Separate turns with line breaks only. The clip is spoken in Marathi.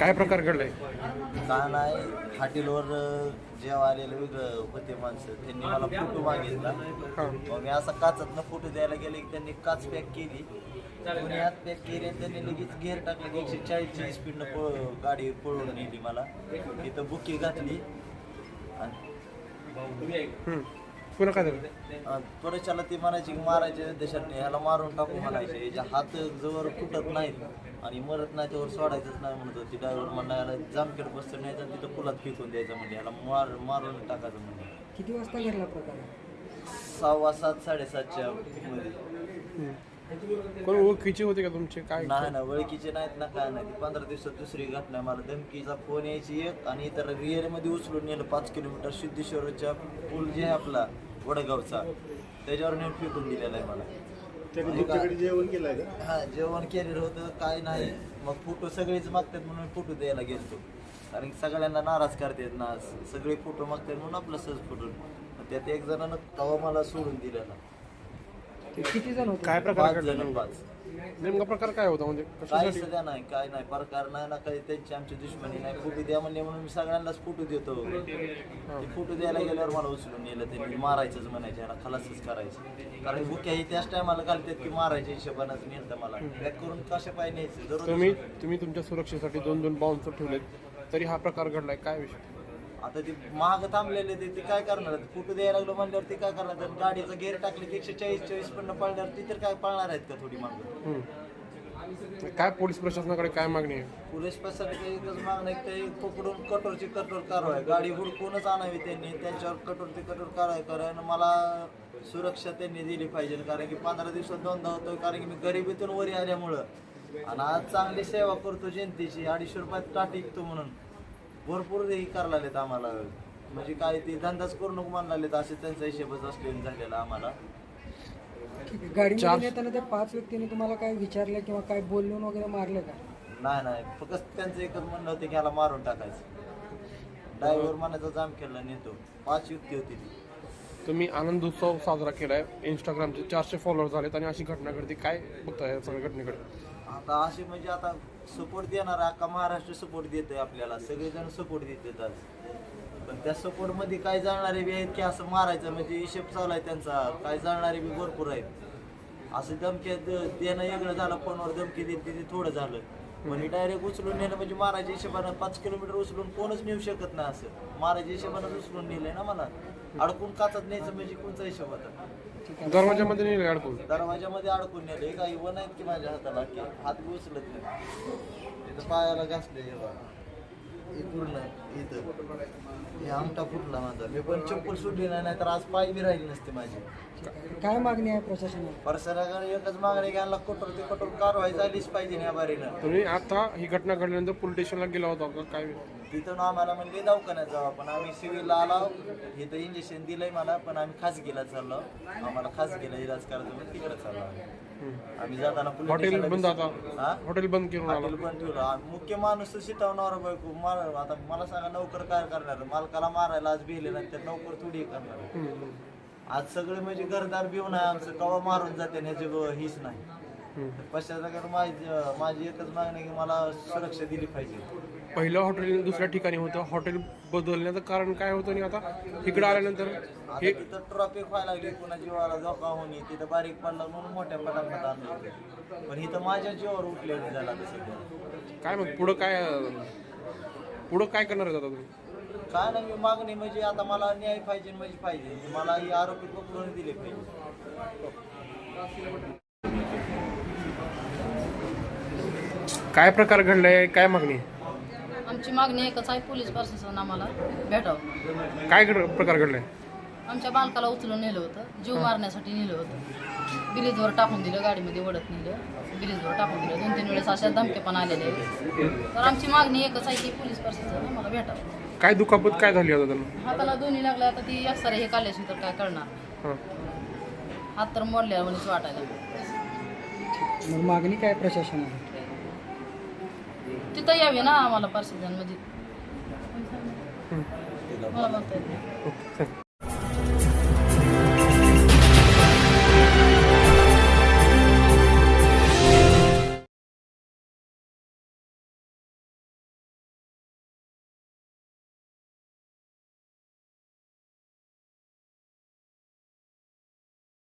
काय प्रकार घडलाय?
का नाही हॉटेलवर जेव्हा आलेलं वेगळं होते माणसं त्यांनी मला फोटो मागितला. मग मी असा काचातनं फोटो द्यायला गेले की त्यांनी काच पॅक केली, दोन्ही हात पॅक केले आणि त्यांनी लगेच गेअर टाकले की 140ची स्पीडनं गाडी पळवून नेली. मला तिथं बुकी घातली आणि
पुन्हा काय झालं?
त्वरेच्याला ती म्हणायची की मारायचे देशात ह्याला मारून टाकू म्हणायचे, याच्या हात जवळ फुटत नाहीत आणि मरत नाही त्यावर सोडायचंच नाही म्हणत होती. ड्रायव्हर म्हणला याला जामखेड बसतं न्यायचं तिथं पुलात फेकून द्यायचं म्हणजे याला मारून टाकायचं म्हणजे.
किती वाजता घडला प्रकार?
6:15 7:30च्या मध्ये.
कोण ओळखीचे होते का तुमचे? काय
नाही ना ओळखीचे नाहीत ना काय नाही. 15 दिवसात दुसरी घटना. मला धमकीचा फोन यायची एक आणि इतर रिअरमध्ये उचलून नेलं 5 किलोमीटर सिद्धेश्वरच्या पूल जे आहे आपला वडगावचा त्याच्यावर नेऊन फेकून दिलेला आहे मला.
जेवण केलंय का?
हा जेवण केलेलं होतं काय नाही. मग फोटो सगळेच मागतात म्हणून फोटो द्यायला गेलतो, कारण की सगळ्यांना नाराज करतात ना, सगळे फोटो मागतात म्हणून आपलं सहज फोटो. त्यात एक जणांना तवा मला सोडून दिलेला.
किती जण होते?
काय प्रकार
5
घडला?
जण 5.
नेमका प्रकार काय होता म्हणजे
काही
कशासाठी?
सध्या नाही, काय नाही प्रकार नाही ना, काही त्यांची आमची दुश्मनी नाही. फोटो द्या म्हणले म्हणून मी सगळ्यांनाच फोटो देतो. ते फोटो द्यायला गेल्यावर मला उचलून नेलं, त्यांनी मारायचंच म्हणायचे, याला खलासच करायचं. कारण बुक्या ही त्याच टायमाला घालतात की मारायच्या हिशोबानं नेलं मला. बॅक करून कशा पाय न्यायचं जरूर.
तुम्ही तुमच्या सुरक्षेसाठी 2 बाउन्सर ठेवलेत, तरी हा प्रकार घडलाय. काय विषय?
आता ते महाग थांबलेले ते काय करणार? फोटो द्यायला लागलो म्हणल्यावर ते काय करणार? तर गाडीचं गेअर टाकले की 140 पण पळणार, ती तर काय पळणार आहेत का थोडी मागं?
काय पोलीस प्रशासनाकडे काय मागणी आहे?
पोलीस प्रशासनाची एकच मागणं आहे की ते पकडून कठोरची कठोर कारवाई, गाडी हुडकूनच आणावी त्यांनी, त्यांच्यावर कठोरची कठोर कारवाई कारण मला सुरक्षा त्यांनी दिली पाहिजे. कारण की 15 दिवसात 2दा होतो, कारण की मी गरिबीतून वरी आल्यामुळं आणि आज चांगली सेवा करतो जनतेची. 250 रुपयात टाटी विकतो म्हणून भरपूर हे करायला लागलेत आम्हाला. म्हणजे काय ते धंदाच करू नको म्हणायला लागलेत, असे त्यांचा हिशेबच असलेला झालेला आम्हाला.
गाडीमध्ये येताना त्या 5 व्यक्तींनी तुम्हाला काय विचारलं किंवा काय बोलून वगैरे मारलं का?
नाही फक्त त्यांचं एकच म्हणणं होतं की ह्याला मारून टाकायचं. ड्रायव्हर म्हणायचा जाम केला नेतो. 5 युक्ती होती ती.
तुम्ही आनंद उत्सव साजरा केलाय, इंस्टाग्रामचे 400 फॉलोअर झालेत आणि अशी घटना घडते. काय बघताय या सगळ्या घटनेकडे?
आता असे म्हणजे आता सपोर्ट देणार अख्खा महाराष्ट्र सपोर्ट देतोय आपल्याला, सगळेजण सपोर्ट देतात आज. पण त्या सपोर्टमध्ये काय जाणारे बी आहेत की असं मारायचं म्हणजे हिशेब चालू आहे त्यांचा. काय जाणारे बी भरपूर आहेत. असं धमकी देणं वेगळं झालं, फोनवर धमकी देते ते थोडं झालं. म्हणजे डायरेक्ट उचलून नेलं म्हणजे मारायच्या हिशोबानं 5 किलोमीटर उचलून कोणच नेऊ शकत नाही. असं मारायच्या हिशोबानं उचलून नेलंय ना मला. अडकून काचत न्यायचं म्हणजे कोणचा हिशोब होता?
दरवाजामध्ये नाही अडकून?
दरवाजामध्ये अडकून नेले. काही वन आहेत की माझ्या हाताला की हात बी उचलत नाही. इथं पायाला घासले पूर्ण, इथं हे आमटा फुटला माझा. मी पण चप्पल सुटली नाही तर आज पाय बी राहिली नसते माझी.
काय मागणी आहे प्रशासनाला?
प्रशासनाकडे एकच मागणी घ्यायला कठोर ते कठोर कारवाई झालीच पाहिजे या बारीनं.
तुम्ही आता ही घटना घडल्यानंतर पोलीस स्टेशनला गेला होता का? काय?
तिथून आम्हाला म्हणले दवाखान्यात जाऊ, पण आम्ही सिव्हिलला आलो. इथं इंजेक्शन दिलंय मला, पण आम्ही खासगीला चाललो. आम्हाला खासगीला इलाज करायचं म्हणून तिकडे चाललो आम्ही. जाताना
हॉटेल बंद, आता
हा
हॉटेल बंद करून आला.
हॉटेल पण ठेवलं. मुख्य माणूस शिटवणार बायको मार. आता मला सांगा नोकर काय करणार? मालकाला मारायला आज भिले नंतर नोकर थोडी करणार. आज सगळे म्हणजे घरदार भिवून आहे आमचं, कवा मारून जाते ह्याची हीच नाही. पश्चात माझी एकच मागणी की मला सुरक्षा दिली पाहिजे.
पहिलं हॉटेल दुसऱ्या ठिकाणी होतं, हॉटेल बदलण्याचं कारण काय होतं आणि आता इकडे आल्यानंतर
हे तिथं ट्रॉफिक व्हायला लागली, पुन्हा जीवाला धोका होणे, तिथं बारीक पडला म्हणून मोठ्या पटापट आणलं. पण इथं माझ्या जीवावर उठलेलं झालं आता सध्या.
काय मग पुढं काय करणार आहे आता तुम्ही?
काय नाही, मी मागणी म्हणजे आता मला न्याय पाहिजे म्हणजे पाहिजे. मला ही आरोपी पकडून दिले पाहिजे.
काय प्रकार घडलाय? काय मागणी?
आमची मागणी एकच आहे, पोलीस प्रशासन आम्हाला भेटावं.
काय प्रकार घडलाय?
आमच्या बालकाला उचलून नेलं होतं, जीव मारण्यासाठी नेलं होतं. ब्रिजवर टाकून दिलं, गाडीमध्ये ओढत नेलं, ब्रिजवर टाकून दिलं. 2-3 वेळेस अशा धमके पण आलेले आहेत. तर आमची मागणी एकच आहे की पोलीस प्रशासन आम्हाला भेटावं.
काय दुखापत काय झाली आता त्यांना?
हाताला दोन्ही लागल्या. आता ती एक्सरे हे काढल्याशी तर काय करणार? हात तर मोडल्या म्हणून वाटायला.
मग मागणी काय प्रशासनाला?
तिथं यावे ना आम्हाला प्रशासन, म्हणजे मला म्हणता येत नाही.